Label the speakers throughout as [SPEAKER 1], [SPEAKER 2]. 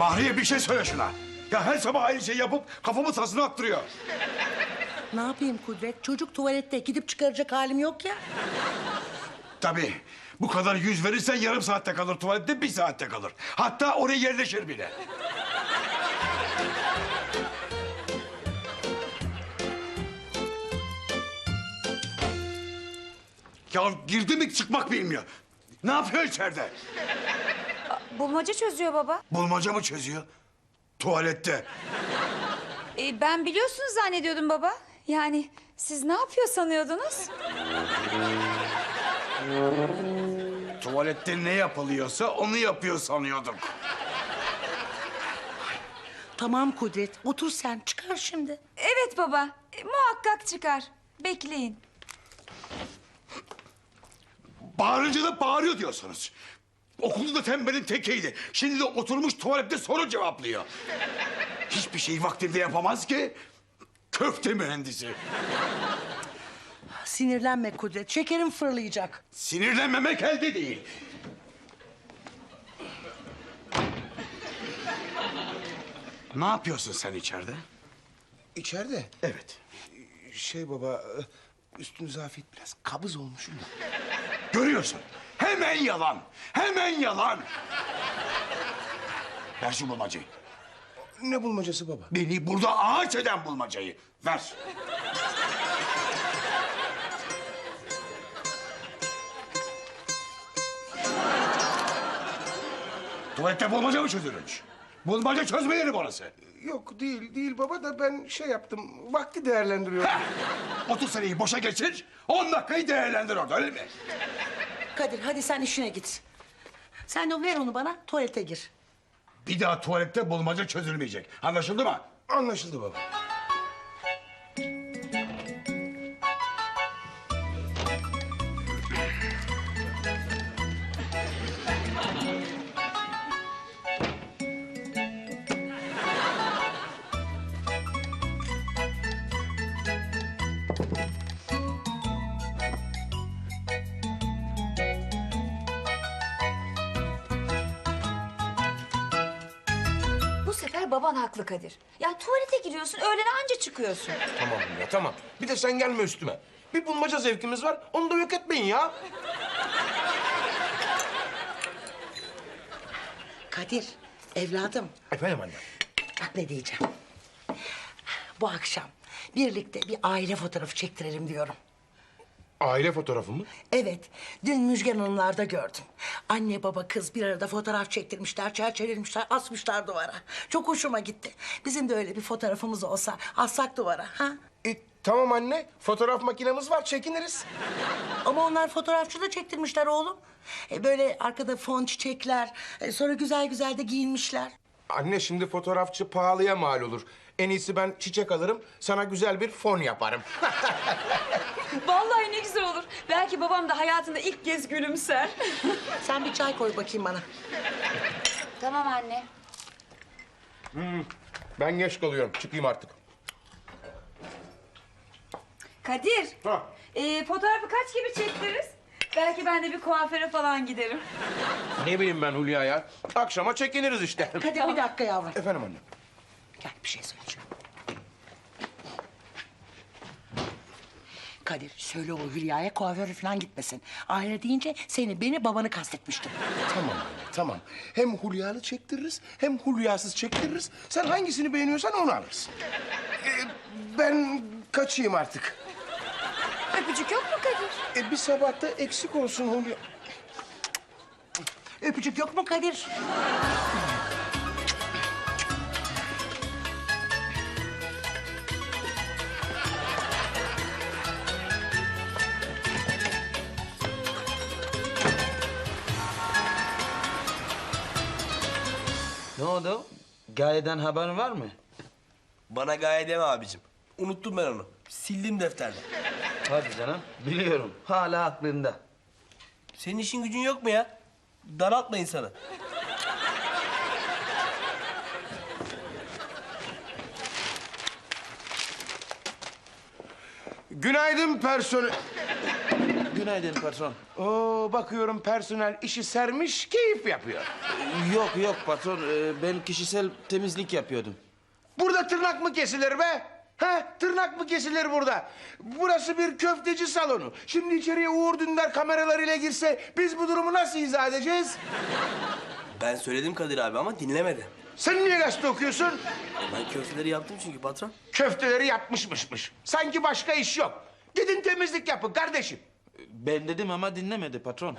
[SPEAKER 1] Bahriye bir şey söyle şuna. Ya her sabah aynı şeyi yapıp kafamı tasına attırıyor.
[SPEAKER 2] Ne yapayım Kudret? Çocuk tuvalette gidip çıkaracak halim yok ya.
[SPEAKER 1] Tabii bu kadar yüz verirsen yarım saatte kalır tuvalette, 1 saatte kalır. Hatta oraya yerleşir bile. Ya girdi mi çıkmak bilmiyor. Ne yapıyor içeride?
[SPEAKER 3] Bulmaca çözüyor baba.
[SPEAKER 1] Bulmaca mı çözüyor? Tuvalette.
[SPEAKER 3] Ben biliyorsunuz zannediyordum baba. Yani siz ne yapıyor sanıyordunuz?
[SPEAKER 1] Tuvalette ne yapılıyorsa onu yapıyor sanıyorduk.
[SPEAKER 2] Tamam Kudret, otur sen. Çıkar şimdi.
[SPEAKER 3] Evet baba. Muhakkak çıkar. Bekleyin.
[SPEAKER 1] Bağırınca da bağırıyor diyorsunuz. Okulda da tembelin tekiydi. Şimdi de oturmuş tuvalette soru cevaplıyor. Hiçbir şeyi vaktinde yapamaz ki. Köfte mühendisi.
[SPEAKER 2] Sinirlenme Kudret, şekerim fırlayacak.
[SPEAKER 1] Sinirlenmemek elde değil. Ne yapıyorsun sen içeride?
[SPEAKER 4] İçeride.
[SPEAKER 1] Evet.
[SPEAKER 4] Şey baba, üstünüze afiyet biraz kabız olmuşum da.
[SPEAKER 1] Görüyorsun. Hemen yalan. Hemen yalan. Ver şu bulmacayı.
[SPEAKER 4] Ne bulmacası baba?
[SPEAKER 1] Beni burada ağaç eden bulmacayı. Ver. Tuvalette bulmaca mı çözülür? Bulmaca çözme yeri burası.
[SPEAKER 4] Yok değil baba da ben şey yaptım, vakti değerlendiriyorum.
[SPEAKER 1] Heh! 30 seneyi boşa geçir, 10 dakikayı değerlendir orada, öyle mi?
[SPEAKER 2] Kadir hadi sen işine git. Sen de ver onu bana, tuvalete gir.
[SPEAKER 1] Bir daha tuvalette bulmaca çözülmeyecek. Anlaşıldı mı?
[SPEAKER 4] Anlaşıldı baba.
[SPEAKER 3] Bu sefer baban haklı Kadir. Ya tuvalete giriyorsun, öğlene anca çıkıyorsun.
[SPEAKER 4] Tamam ya tamam. Bir de sen gelme üstüme. Bir bulmaca zevkimiz var, onu da yok etmeyin ya.
[SPEAKER 2] Kadir, evladım.
[SPEAKER 4] Efendim anne.
[SPEAKER 2] Bak ne diyeceğim. Bu akşam birlikte bir aile fotoğrafı çektirelim diyorum.
[SPEAKER 4] Aile fotoğrafı mı?
[SPEAKER 2] Evet, dün Müjgan Hanımlar'da gördüm. Anne baba kız bir arada fotoğraf çektirmişler, çerçevelemişler, asmışlar duvara. Çok hoşuma gitti. Bizim de öyle bir fotoğrafımız olsa assak duvara, ha?
[SPEAKER 4] Tamam anne, fotoğraf makinemiz var, çekiniriz.
[SPEAKER 2] Ama onlar fotoğrafçı da çektirmişler oğlum. Böyle arkada fon çiçekler, sonra güzel güzel de giyinmişler.
[SPEAKER 4] Anne şimdi fotoğrafçı pahalıya mal olur. En iyisi ben çiçek alırım, sana güzel bir fon yaparım.
[SPEAKER 3] Vallahi ne güzel olur. Belki babam da hayatında ilk kez gülümser.
[SPEAKER 2] Sen bir çay koy bakayım bana.
[SPEAKER 3] Tamam anne.
[SPEAKER 4] Ben geç kalıyorum, çıkayım artık.
[SPEAKER 3] Kadir.
[SPEAKER 4] Ha.
[SPEAKER 3] Fotoğrafı kaç gibi çektiririz? Belki ben de bir kuaföre falan giderim.
[SPEAKER 4] Ne bileyim ben Hülya ya. Akşama çekiniriz işte.
[SPEAKER 2] Kadir bir dakika yavrum.
[SPEAKER 4] Efendim anne.
[SPEAKER 2] Gel bir şey söyleyeceğim. Kadir söyle o Hülya'ya kuaföre falan gitmesin. Aile deyince seni, beni, babanı kastetmiştim.
[SPEAKER 4] Tamam anne, tamam. Hem Hülya'lı çektiririz, hem Hülya'sız çektiririz. Sen hangisini beğeniyorsan onu alırsın. Ben kaçayım artık.
[SPEAKER 3] Öpücük yok mu Kadir?
[SPEAKER 4] Bir sabahta eksik olsun Hülya.
[SPEAKER 2] Öpücük yok mu Kadir?
[SPEAKER 5] Ne oldu? Gaye'den haberin var mı?
[SPEAKER 6] Bana gaye deme abicim. Unuttum ben onu. Sildim defterden.
[SPEAKER 5] Hadi canım. Biliyorum. Hala aklında.
[SPEAKER 6] Senin işin gücün yok mu ya? Daraltma insanı.
[SPEAKER 4] Günaydın personel...
[SPEAKER 5] günaydın patron.
[SPEAKER 4] Oo, bakıyorum personel işi sermiş, keyif yapıyor.
[SPEAKER 5] Yok patron, ben kişisel temizlik yapıyordum.
[SPEAKER 4] Burada tırnak mı kesilir be? Ha, tırnak mı kesilir burada? Burası bir köfteci salonu. Şimdi içeriye Uğur Dündar kameralarıyla girse biz bu durumu nasıl izah edeceğiz?
[SPEAKER 6] Ben söyledim Kadir abi ama dinlemedi.
[SPEAKER 4] Sen niye gazete okuyorsun?
[SPEAKER 6] Ben köfteleri yaptım çünkü patron.
[SPEAKER 4] Köfteleri yapmışmış. Sanki başka iş yok. Gidin temizlik yapın kardeşim.
[SPEAKER 5] Ben dedim ama dinlemedi patron.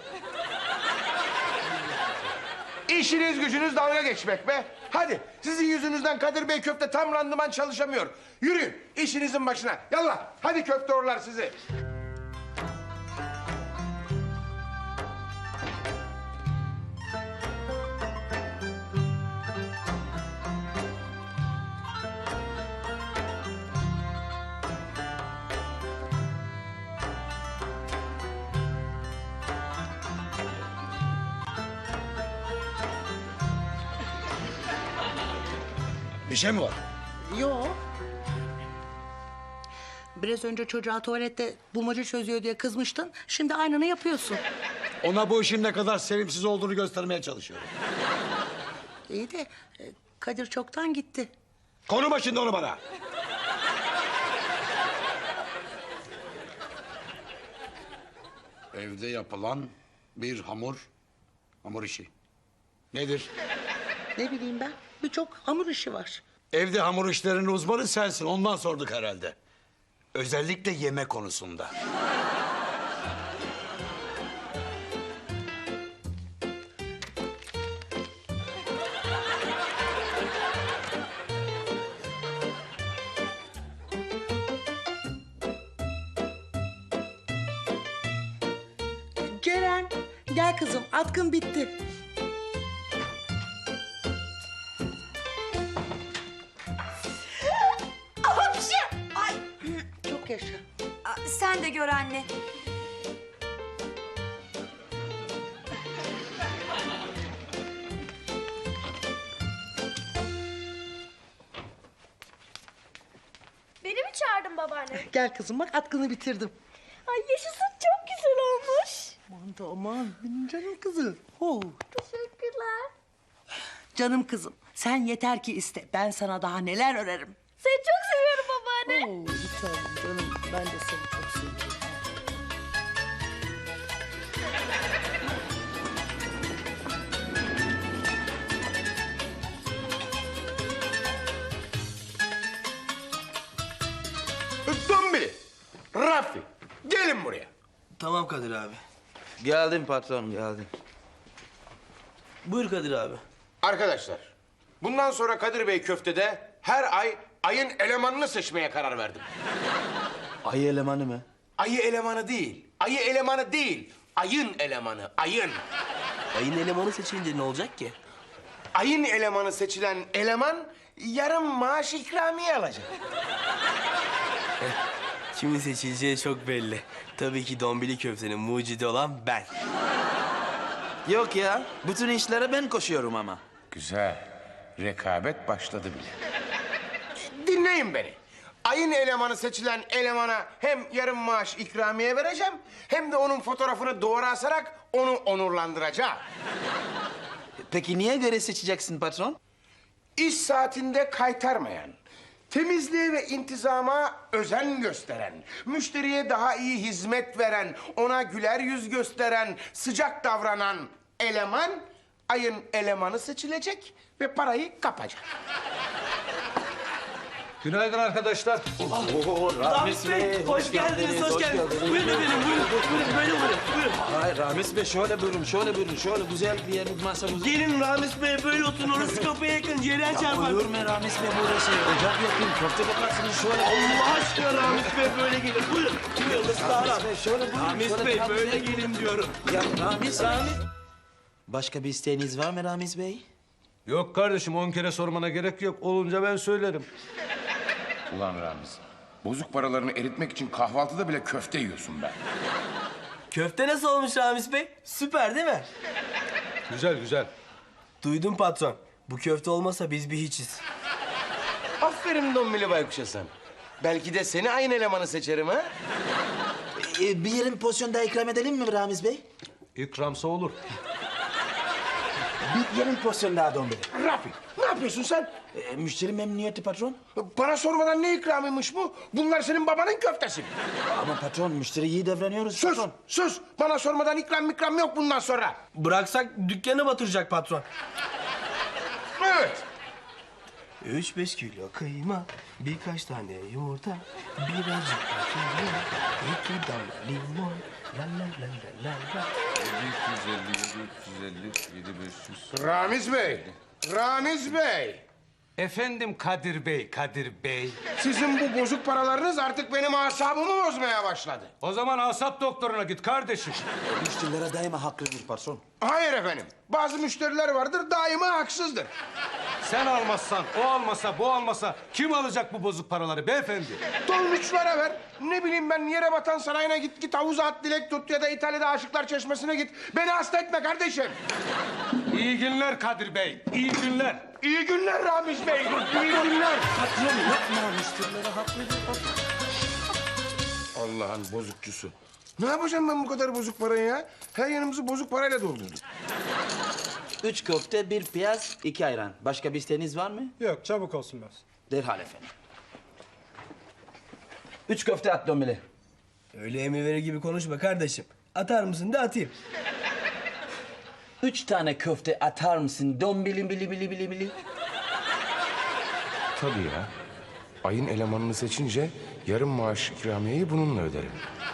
[SPEAKER 4] İşiniz gücünüz dalga geçmek be. Hadi sizin yüzünüzden Kadir Bey köfte tam randıman çalışamıyor. Yürüyün işinizin başına. Yallah hadi köfte orlar sizi.
[SPEAKER 1] Bir şey mi var?
[SPEAKER 2] Yo. Biraz önce çocuğa tuvalette bulmaca çözüyor diye kızmıştın. Şimdi aynını yapıyorsun.
[SPEAKER 1] Ona bu işin ne kadar sevimsiz olduğunu göstermeye çalışıyorum.
[SPEAKER 2] İyi de Kadir çoktan gitti.
[SPEAKER 1] Konuma şimdi onu bana. Evde yapılan bir hamur işi. Nedir?
[SPEAKER 2] Ne bileyim ben, birçok hamur işi var.
[SPEAKER 1] Evde hamur işlerinin uzmanı sensin. Ondan sorduk herhalde. Özellikle yeme konusunda.
[SPEAKER 2] Ceren, gel kızım, atkın bitti.
[SPEAKER 3] Ay,
[SPEAKER 2] Çok yaşa.
[SPEAKER 3] sen de gör anne.
[SPEAKER 7] Beni mi çağırdın babaanne?
[SPEAKER 2] Gel kızım, bak atkını bitirdim.
[SPEAKER 7] Ay yaşasın çok güzel olmuş.
[SPEAKER 2] Aman da aman, benim canım kızım. Oh.
[SPEAKER 7] Teşekkürler.
[SPEAKER 2] Canım kızım, sen yeter ki iste. Ben sana daha neler örerim.
[SPEAKER 7] Seni çok seviyorum babaanne.
[SPEAKER 2] Oo, bir tanem canım, ben de seni çok seviyorum.
[SPEAKER 4] Dombili, Rafi gelin buraya.
[SPEAKER 6] Tamam Kadir abi.
[SPEAKER 5] Geldim patron, geldim.
[SPEAKER 6] Buyur Kadir abi.
[SPEAKER 4] Arkadaşlar bundan sonra Kadir Bey köftede her ay ayın elemanını seçmeye karar verdim.
[SPEAKER 5] Ayı elemanı mı?
[SPEAKER 4] Ayı elemanı değil, ayı elemanı değil. Ayın elemanı, ayın.
[SPEAKER 6] Ayın elemanı seçilince ne olacak ki?
[SPEAKER 4] Ayın elemanı seçilen eleman yarım maaş ikramiye alacak.
[SPEAKER 6] Kimin seçileceği çok belli. Tabii ki dombili köftenin mucidi olan ben.
[SPEAKER 5] Yok ya, bütün işlere ben koşuyorum ama.
[SPEAKER 4] Güzel. Rekabet başladı bile. Dinleyin beni. Ayın elemanı seçilen elemana hem yarım maaş ikramiye vereceğim... hem de onun fotoğrafını duvara asarak onu onurlandıracağım.
[SPEAKER 5] Peki niye göre seçeceksin patron?
[SPEAKER 4] İş saatinde kaytarmayan, temizliğe ve intizama özen gösteren, müşteriye daha iyi hizmet veren, ona güler yüz gösteren, sıcak davranan eleman ayın elemanı seçilecek ve parayı kapacak.
[SPEAKER 8] Günaydın arkadaşlar.
[SPEAKER 6] Ramiz Bey, hoş geldiniz, hoş geldiniz. Buyurun efendim, buyurun. Buyurun, böyle buyurun, buyurun.
[SPEAKER 5] Hayır Ramiz Bey şöyle buyurun, şöyle buyurun. Şöyle güzel bir yer masamız.
[SPEAKER 6] Gelin Ramiz Bey, böyle oturun. Orası kapıya yakın, Ceren çarpar.
[SPEAKER 5] Olur mu Ramiz Bey burası? Ocak yapayım, köfte bakarsınız şöyle.
[SPEAKER 6] Allah aşkına Ramiz Bey böyle gelin. Buyurun. Buyurun, ıslah
[SPEAKER 5] Ramiz Bey şöyle buyurun.
[SPEAKER 6] Ramiz
[SPEAKER 5] şöyle
[SPEAKER 6] Bey
[SPEAKER 5] tam
[SPEAKER 6] böyle
[SPEAKER 5] güzel.
[SPEAKER 6] gelin diyorum.
[SPEAKER 5] Ya Ramiz. Başka bir isteğiniz var mı Ramiz Bey?
[SPEAKER 8] Yok kardeşim 10 kere sormana gerek yok. Olunca ben söylerim.
[SPEAKER 4] Ulan Ramiz, bozuk paralarını eritmek için kahvaltıda bile köfte yiyorsun be.
[SPEAKER 6] Köfte nasıl olmuş Ramiz Bey? Süper değil mi?
[SPEAKER 8] Güzel güzel.
[SPEAKER 6] Duydum patron. Bu köfte olmasa biz bir hiçiz.
[SPEAKER 4] Aferin Dombili Baykuş'a sen. Belki de seni ayın elemanı seçerim ha?
[SPEAKER 5] Bir yarım porsiyon daha ikram edelim mi Ramiz Bey?
[SPEAKER 8] İkramsa olur.
[SPEAKER 5] Bir yarım porsiyon daha dombili.
[SPEAKER 4] Rafi, ne yapıyorsun sen?
[SPEAKER 5] Müşteri memnuniyeti patron.
[SPEAKER 4] Bana sormadan ne ikramıymış bu? Bunlar senin babanın köftesi mi?
[SPEAKER 5] Ama patron müşteri iyi davranıyoruz
[SPEAKER 4] Sus,
[SPEAKER 5] patron.
[SPEAKER 4] sus. Bana sormadan ikram yok bundan sonra.
[SPEAKER 6] Bıraksak dükkanı batıracak patron.
[SPEAKER 4] Evet.
[SPEAKER 6] 3-5 kilo kıyma, birkaç tane yumurta, birazcık da 2 damla limon. La la la la la la.
[SPEAKER 1] 250, 500.
[SPEAKER 4] Ramiz Bey, Ramiz Bey.
[SPEAKER 8] Efendim Kadir Bey, Kadir Bey.
[SPEAKER 4] Sizin bu bozuk paralarınız artık benim asabımı bozmaya başladı.
[SPEAKER 8] O zaman asap doktoruna git kardeşim.
[SPEAKER 5] Müşterilere daima haklıdır patron.
[SPEAKER 4] Hayır efendim. Bazı müşteriler vardır daima haksızdır.
[SPEAKER 8] Sen almazsan, o almasa, bu almasa kim alacak bu bozuk paraları beyefendi?
[SPEAKER 4] Dolmuşlara ver. Ne bileyim ben yere batan sarayına git havuza at dilek tut ya da İtalya'da Aşıklar Çeşmesi'ne git. Beni hasta etme kardeşim.
[SPEAKER 8] İyi günler Kadir Bey, iyi günler.
[SPEAKER 4] İyi günler Ramiz Bey. İyi günler.
[SPEAKER 5] Patron yapma müşterilere haklıdır patron.
[SPEAKER 4] Allah'ın bozukçusu. Ne yapacağım ben bu kadar bozuk parayı ya? Her yanımızı bozuk parayla doldurduk.
[SPEAKER 5] 3 köfte, 1 piyaz, 2 ayran. Başka bir isteğiniz var mı?
[SPEAKER 8] Yok çabuk olsun biraz.
[SPEAKER 5] Derhal efendim. 3 köfte at dombili.
[SPEAKER 6] Öyle emir verir gibi konuşma kardeşim. Atar mısın da atayım.
[SPEAKER 5] 3 tane köfte atar mısın dombili bili bili bili bili?
[SPEAKER 4] Tabii ya. Ayın elemanını seçince yarım maaş ikramiyeyi bununla öderim.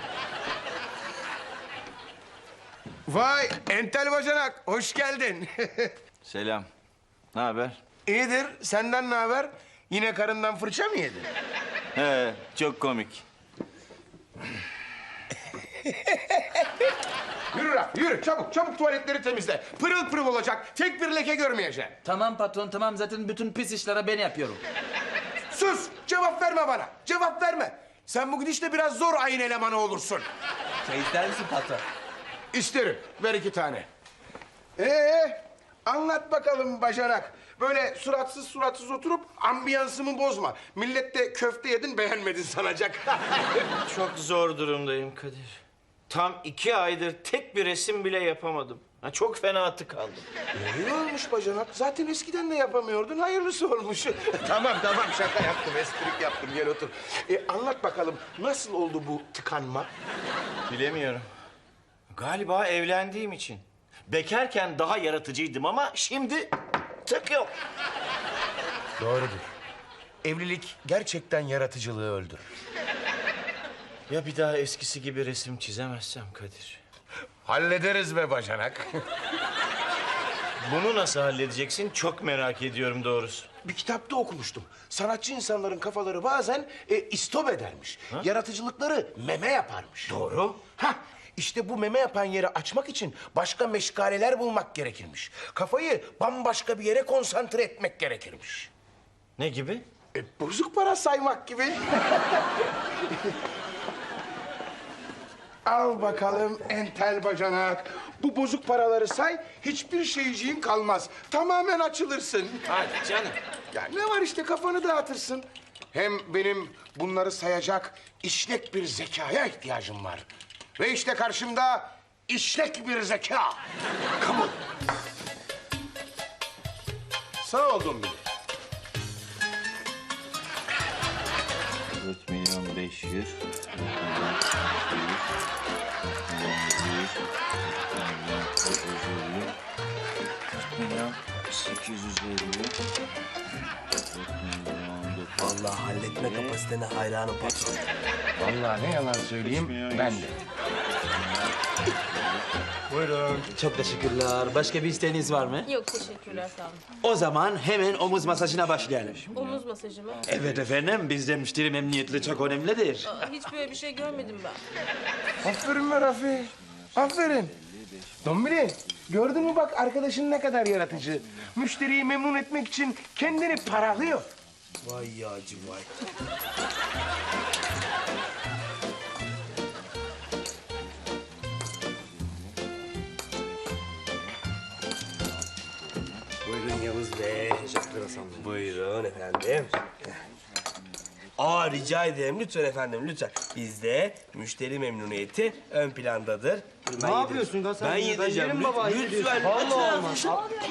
[SPEAKER 4] Vay entel bacanak, hoş geldin.
[SPEAKER 9] Selam. Ne haber?
[SPEAKER 4] İyidir, senden ne haber? Yine karından fırça mı yedin?
[SPEAKER 9] He, çok komik.
[SPEAKER 4] Yürü Raf, yürü çabuk tuvaletleri temizle. Pırıl pırıl olacak, tek bir leke görmeyeceğim.
[SPEAKER 5] Tamam patron tamam zaten bütün pis işleri ben yapıyorum.
[SPEAKER 4] Sus, cevap verme bana, cevap verme. Sen bugün işte biraz zor ayın elemanı olursun.
[SPEAKER 6] Çay ister misin patron?
[SPEAKER 4] İsterim, ver 2 tane. Anlat bakalım bacanak. Böyle suratsız oturup ambiyansımı bozma. Millet de köfte yedin beğenmedin sanacak.
[SPEAKER 9] Çok zor durumdayım Kadir. Tam 2 aydır tek bir resim bile yapamadım. Ha, çok fena tıkandım.
[SPEAKER 4] İyi olmuş bacanak. Zaten eskiden de yapamıyordun. Hayırlısı olmuş. tamam şaka yaptım. Esprik yaptım. Gel otur. Anlat bakalım nasıl oldu bu tıkanma?
[SPEAKER 9] Bilemiyorum. Galiba evlendiğim için. Bekarken daha yaratıcıydım ama şimdi tık yok.
[SPEAKER 4] Doğrudur. Evlilik gerçekten yaratıcılığı öldürür.
[SPEAKER 9] Ya bir daha eskisi gibi resim çizemezsem Kadir?
[SPEAKER 4] Hallederiz be bacanak.
[SPEAKER 9] Bunu nasıl halledeceksin çok merak ediyorum doğrusu.
[SPEAKER 4] Bir kitapta okumuştum. Sanatçı insanların kafaları bazen istop edermiş. Yaratıcılıkları meme yaparmış.
[SPEAKER 9] Doğru.
[SPEAKER 4] Hah, işte bu meme yapan yeri açmak için başka meşgaleler bulmak gerekirmiş. Kafayı bambaşka bir yere konsantre etmek gerekirmiş.
[SPEAKER 9] Ne gibi?
[SPEAKER 4] Bozuk para saymak gibi. Al bakalım entel bacanak. Bu bozuk paraları say, hiçbir şeyciğin kalmaz. Tamamen açılırsın.
[SPEAKER 9] Hadi canım.
[SPEAKER 4] Ya ne var işte kafanı dağıtırsın. Hem benim bunları sayacak işlek bir zekaya ihtiyacım var. Ve işte karşımda işlek bir zeka. Kabul. Sağ oldun bile.
[SPEAKER 9] 4.500.000. 4.850.000.
[SPEAKER 6] Vallahi halletme kapasitene hayranım patron.
[SPEAKER 4] Vallahi ne yalan söyleyeyim ben de.
[SPEAKER 8] Buyurun.
[SPEAKER 5] Çok teşekkürler. Başka bir isteğiniz var mı?
[SPEAKER 7] Yok teşekkürler sağ olun.
[SPEAKER 5] O zaman hemen omuz masajına başlayalım.
[SPEAKER 7] Omuz masajı mı?
[SPEAKER 5] Evet efendim bizde müşteri memnuniyeti çok önemlidir.
[SPEAKER 7] Hiç böyle bir şey görmedim ben.
[SPEAKER 4] Aferin be Rafi. Aferin. Dombili, gördün mü bak arkadaşın ne kadar yaratıcı. Müşteriyi memnun etmek için kendini paralıyor.
[SPEAKER 6] Vay yağcı vay. Buyurun Yavuz Bey. Teşekkür ederim. Buyurun efendim. Aa rica ederim lütfen efendim lütfen. Bizde müşteri memnuniyeti ön plandadır.
[SPEAKER 8] Ne yapıyorsun lan sen?
[SPEAKER 6] Ben yedireceğim.
[SPEAKER 8] yerim baba.
[SPEAKER 6] Lütfen.
[SPEAKER 8] Vallahi olmaz.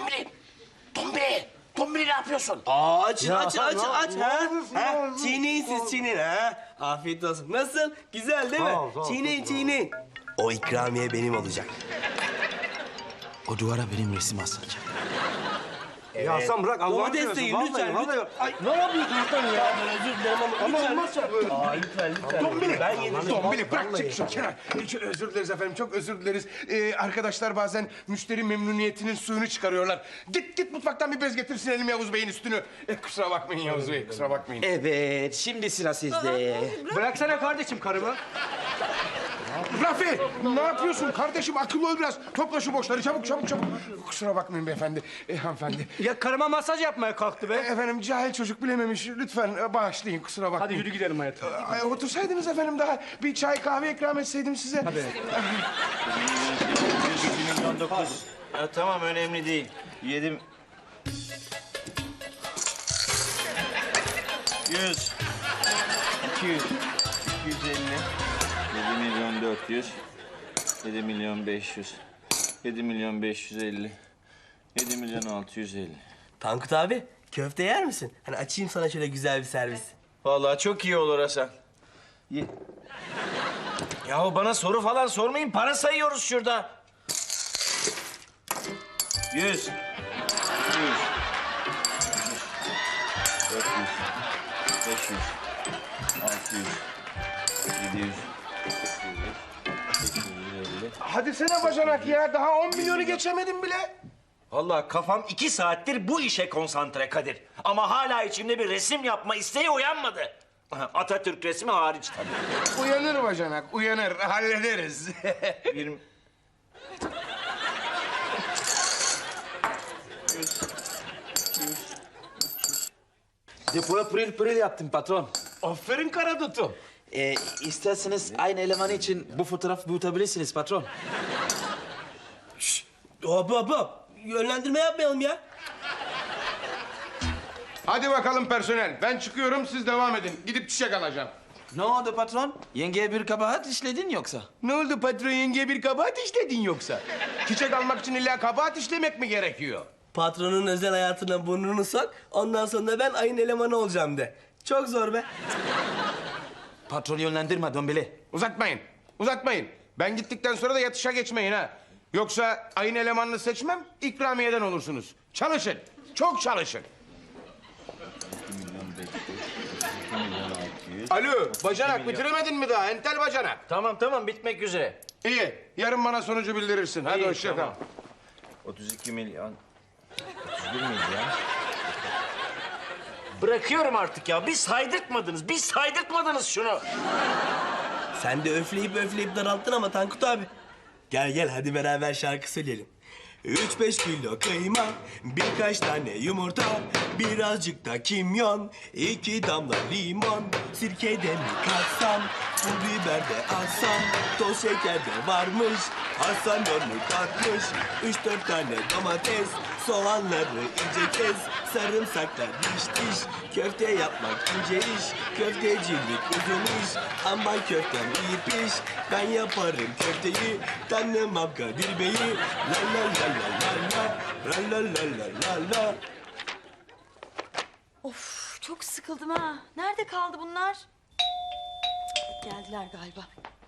[SPEAKER 4] Tombili ne yapıyorsun?
[SPEAKER 6] Aç
[SPEAKER 8] Ya
[SPEAKER 6] aç
[SPEAKER 8] sen
[SPEAKER 6] aç
[SPEAKER 8] ne
[SPEAKER 6] aç
[SPEAKER 8] yapıyorsun?
[SPEAKER 6] ha.
[SPEAKER 8] Ne yapıyorsun?
[SPEAKER 6] Ha çiğneyin siz çiğneyin ha. Afiyet olsun. Nasıl? Güzel değil mi?
[SPEAKER 8] Sağ ol, sağ ol,
[SPEAKER 6] Çiğneyin çiğneyin. O ikramiye benim olacak.
[SPEAKER 5] O duvara benim resim asılacak.
[SPEAKER 8] Ya sen bırak Allah'ını
[SPEAKER 6] Domates
[SPEAKER 8] seversen.
[SPEAKER 6] deyin,
[SPEAKER 8] Vallahi,
[SPEAKER 6] lütfen,
[SPEAKER 8] vallahi.
[SPEAKER 6] lütfen.
[SPEAKER 8] Ay, ne yapıyorsun sen ya?
[SPEAKER 6] Ben özür dilerim ama lütfen.
[SPEAKER 8] olmazsa böyle.
[SPEAKER 6] Aa lütfen lütfen. Ben yedireceğim.
[SPEAKER 4] Tombili bırak çık şu kenara. Özür dileriz efendim, çok özür dileriz. Arkadaşlar bazen müşteri memnuniyetinin suyunu çıkarıyorlar. Git mutfaktan bir bez getir silelim Yavuz Bey'in üstünü. Kusura bakmayın Yavuz Bey, kusura bakmayın.
[SPEAKER 5] Evet, şimdi sıra sizde.
[SPEAKER 8] Bıraksana kardeşim karımı.
[SPEAKER 4] Rafi, ne yapıyorsun kardeşim? Akıllı ol biraz. Topla şu boşları, çabuk. Kusura bakmayın beyefendi, hanımefendi.
[SPEAKER 8] Ya karıma masaj yapmaya kalktı be.
[SPEAKER 4] Efendim cahil çocuk bilememiş. Lütfen bağışlayın, kusura bakmayın.
[SPEAKER 8] Hadi yürü gidelim hayatım.
[SPEAKER 4] Otursaydınız efendim daha bir çay kahve ikram etseydim size. Hadi.
[SPEAKER 9] 19. Ya, tamam önemli değil. Yedim. 100. 200. 250. 7 milyon 400. 7 milyon 500. 7 milyon 550. 7 milyon 650.
[SPEAKER 6] Tankut abi köfte yer misin? Hani açayım sana şöyle güzel bir servis.
[SPEAKER 9] Vallahi çok iyi olur Hasan. Yahu bana soru falan sormayın. Para sayıyoruz şurada. 100. 200. 400. 500. 600. 700. 850.
[SPEAKER 4] Hadi sene bacanak ya, daha 10 milyonu geçemedim bile.
[SPEAKER 9] Vallahi kafam 2 saattir bu işe konsantre Kadir. Ama hala içimde bir resim yapma isteği uyanmadı. Atatürk resmi hariç tabii.
[SPEAKER 4] Uyanır bacanak, uyanır. Hallederiz.
[SPEAKER 9] 20.
[SPEAKER 5] Depoya pırıl pırıl yaptım patron.
[SPEAKER 6] Aferin karadutum.
[SPEAKER 5] İsterseniz aynı elemanı için bu fotoğrafı büyütebilirsiniz patron.
[SPEAKER 6] Hop. Yönlendirme yapmayalım ya.
[SPEAKER 4] Hadi bakalım personel. Ben çıkıyorum, siz devam edin. Gidip çiçek alacağım.
[SPEAKER 5] Ne oldu patron? Yengeye bir kabahat işledin yoksa?
[SPEAKER 4] Ne oldu patron, yengeye bir kabahat işledin yoksa? Çiçek almak için illa kabahat işlemek mi gerekiyor?
[SPEAKER 6] Patronun özel hayatına burnunu sok. Ondan sonra ben ayın elemanı olacağım de. Çok zor be.
[SPEAKER 5] Patron yönlendirme Dombili.
[SPEAKER 4] Uzatmayın. Ben gittikten sonra da yatışa geçmeyin ha. Yoksa ayın elemanını seçmem, ikramiyeden olursunuz. Çalışın, çok çalışın. Alo, bacanak bitiremedin mi daha? Entel bacanak.
[SPEAKER 9] Tamam bitmek üzere.
[SPEAKER 4] İyi, yarın bana sonucu bildirirsin. Hadi
[SPEAKER 9] İyi,
[SPEAKER 4] hoşça kal.
[SPEAKER 9] tamam. 32 milyon. 31 milyon. Bırakıyorum artık ya. Bir saydırtmadınız şunu.
[SPEAKER 6] Sen de öfleyip daralttın ama Tankut abi. Gel hadi beraber şarkı söyleyelim. 3-5 kilo kıyma, birkaç tane yumurta, birazcık da kimyon, 2 damla limon, sirkede mi katsam, pul biber de alsam, toz şeker de varmış, Hasan onu katmış, 3-4 tane domates, soğanları ince kes, sarımsaklar diş, köfte yapmak ince iş, köftecilik uzun iş, ambar köftem iyi piş, ben yaparım köfteyi, tanımam Kadir Bey'i, la.
[SPEAKER 3] Of çok sıkıldım ha. Nerede kaldı bunlar? Geldiler galiba.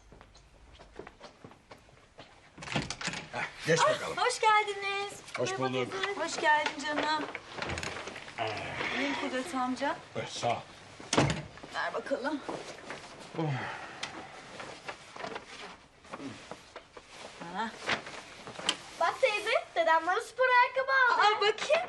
[SPEAKER 4] Geç bakalım.
[SPEAKER 3] Hoş geldiniz.
[SPEAKER 4] Hoş bulduk.
[SPEAKER 3] Hoş geldin canım. Buyurun Kudret amca.
[SPEAKER 4] Sağ ol.
[SPEAKER 3] Ver bakalım. Ha.
[SPEAKER 7] Bak teyze, dedem bana spor ayakkabı aldı.
[SPEAKER 3] Aa, bakayım.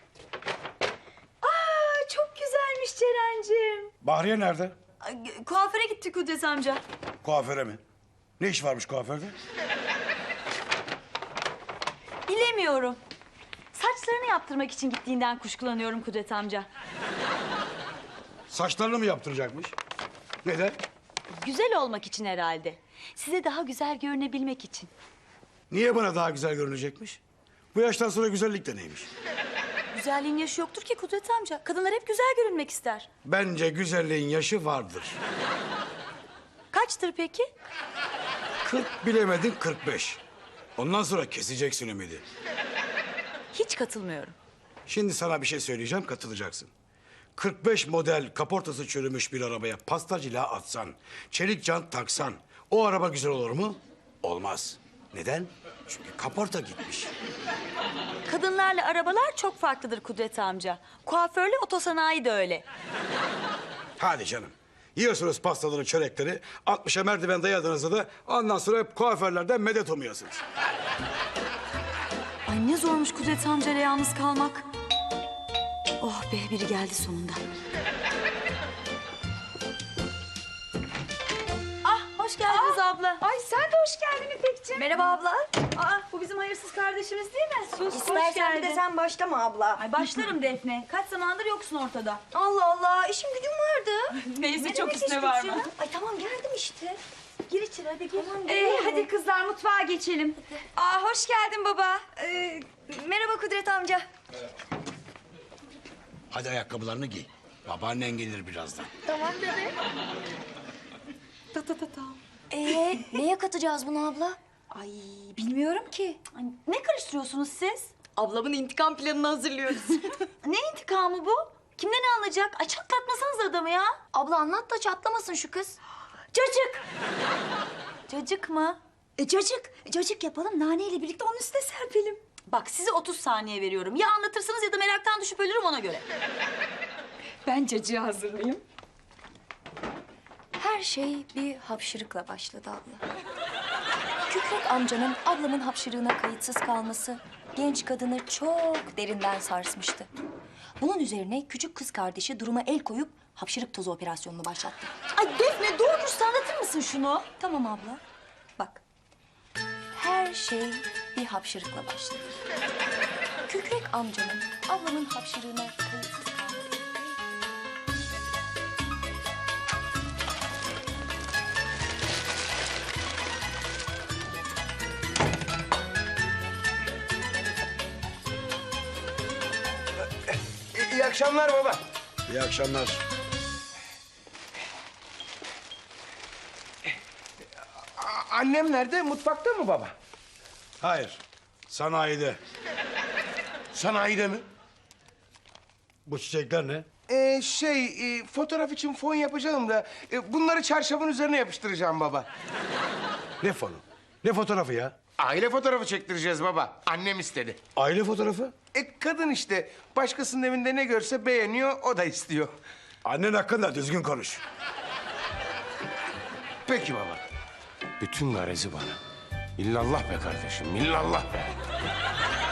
[SPEAKER 3] Aa, çok güzelmiş Ceren'cim.
[SPEAKER 1] Bahriye nerede?
[SPEAKER 3] Ay, kuaföre gitti Kudret amca.
[SPEAKER 1] Kuaföre mi? Ne iş varmış kuaförde?
[SPEAKER 3] Bilemiyorum. Saçlarını yaptırmak için gittiğinden kuşkulanıyorum Kudret amca.
[SPEAKER 1] Saçlarını mı yaptıracakmış? Neden?
[SPEAKER 3] Güzel olmak için herhalde. Size daha güzel görünebilmek için.
[SPEAKER 1] Niye bana daha güzel görünecekmiş? Bu yaştan sonra güzellik de neymiş?
[SPEAKER 10] Güzelliğin yaşı yoktur ki Kudret amca. Kadınlar hep güzel görünmek ister.
[SPEAKER 1] Bence güzelliğin yaşı vardır.
[SPEAKER 10] Kaçtır peki?
[SPEAKER 1] 40 bilemedin 45. Ondan sonra keseceksin ümidi.
[SPEAKER 10] Hiç katılmıyorum.
[SPEAKER 1] Şimdi sana bir şey söyleyeceğim, katılacaksın. 45 model kaportası çürümüş bir arabaya pasta cila atsan, çelik jant taksan, o araba güzel olur mu? Olmaz. Neden? Çünkü kaporta gitmiş.
[SPEAKER 10] Kadınlarla arabalar çok farklıdır Kudret amca. Kuaförle otosanayi de öyle.
[SPEAKER 1] Hadi canım. Yiyorsunuz pastaları, çörekleri, 60'a merdiven dayadığınızda da ondan sonra hep kuaförlerden medet umuyorsunuz.
[SPEAKER 10] Ay ne zormuş Kudret amcayla yalnız kalmak. Oh be, biri geldi sonunda. Ah, hoş geldiniz abla.
[SPEAKER 3] Ay sen de hoş geldin İpekciğim.
[SPEAKER 10] Merhaba abla. Aa, bu bizim hayırsız kardeşimiz değil mi? Sus,
[SPEAKER 11] İstersen bir de sen başlama abla.
[SPEAKER 10] Ay başlarım Defne. Kaç zamandır yoksun ortada.
[SPEAKER 11] Allah Allah, işim gücüm vardı.
[SPEAKER 10] Neyse,
[SPEAKER 11] Ne
[SPEAKER 10] çok
[SPEAKER 11] demek
[SPEAKER 10] üstüne
[SPEAKER 11] iş
[SPEAKER 10] varma.
[SPEAKER 11] gücü ya? Ay tamam, geldim işte. Gir içeri, hadi gir. Tamam,
[SPEAKER 3] Hadi kızlar mutfağa geçelim. Aa hoş geldin baba.
[SPEAKER 11] Merhaba Kudret amca.
[SPEAKER 1] Hadi ayakkabılarını giy. Babaannen gelir birazdan.
[SPEAKER 11] Tamam bebe. Neye katacağız bunu abla?
[SPEAKER 10] Ay bilmiyorum ki. Ay, ne karıştırıyorsunuz siz? Ablamın intikam planını hazırlıyoruz. Ne intikamı bu? Kimden ne alınacak? Ay çatlatmasanız adamı ya.
[SPEAKER 11] Abla anlat da çatlamasın şu kız.
[SPEAKER 10] Cacık. Cacık mı?
[SPEAKER 11] Cacık.
[SPEAKER 10] Cacık yapalım, naneyle birlikte onun üstüne serpelim. Bak size 30 saniye veriyorum. Ya anlatırsınız ya da meraktan düşüp ölürüm, ona göre.
[SPEAKER 3] Ben cacığı hazırlayayım.
[SPEAKER 11] Her şey bir hapşırıkla başladı abla. Kükrek amcanın ablamın hapşırığına kayıtsız kalması genç kadını çok derinden sarsmıştı. Bunun üzerine küçük kız kardeşi duruma el koyup hapşırık tozu operasyonunu başlattı.
[SPEAKER 10] Ay Defne, doğru dürüst anlatır mısın şunu?
[SPEAKER 11] Tamam abla. Bak. Her şey bir hapşırıkla başladı. Kükrek amcanın ablamın hapşırığına kayıtsız kalması.
[SPEAKER 4] İyi akşamlar baba.
[SPEAKER 1] İyi akşamlar.
[SPEAKER 4] Annem nerede? Mutfakta mı baba?
[SPEAKER 1] Hayır, sanayide.
[SPEAKER 4] Sanayide mi?
[SPEAKER 1] Bu çiçekler ne?
[SPEAKER 4] Fotoğraf için fon yapacağım da bunları çarşafın üzerine yapıştıracağım baba.
[SPEAKER 1] Ne fonu? Ne fotoğrafı ya?
[SPEAKER 4] Aile fotoğrafı çektireceğiz baba. Annem istedi.
[SPEAKER 1] Aile fotoğrafı?
[SPEAKER 4] Kadın işte. Başkasının evinde ne görse beğeniyor, o da istiyor.
[SPEAKER 1] Annen hakkında düzgün konuş.
[SPEAKER 4] Peki baba. Bütün garezi bana. İllallah be kardeşim, illallah be.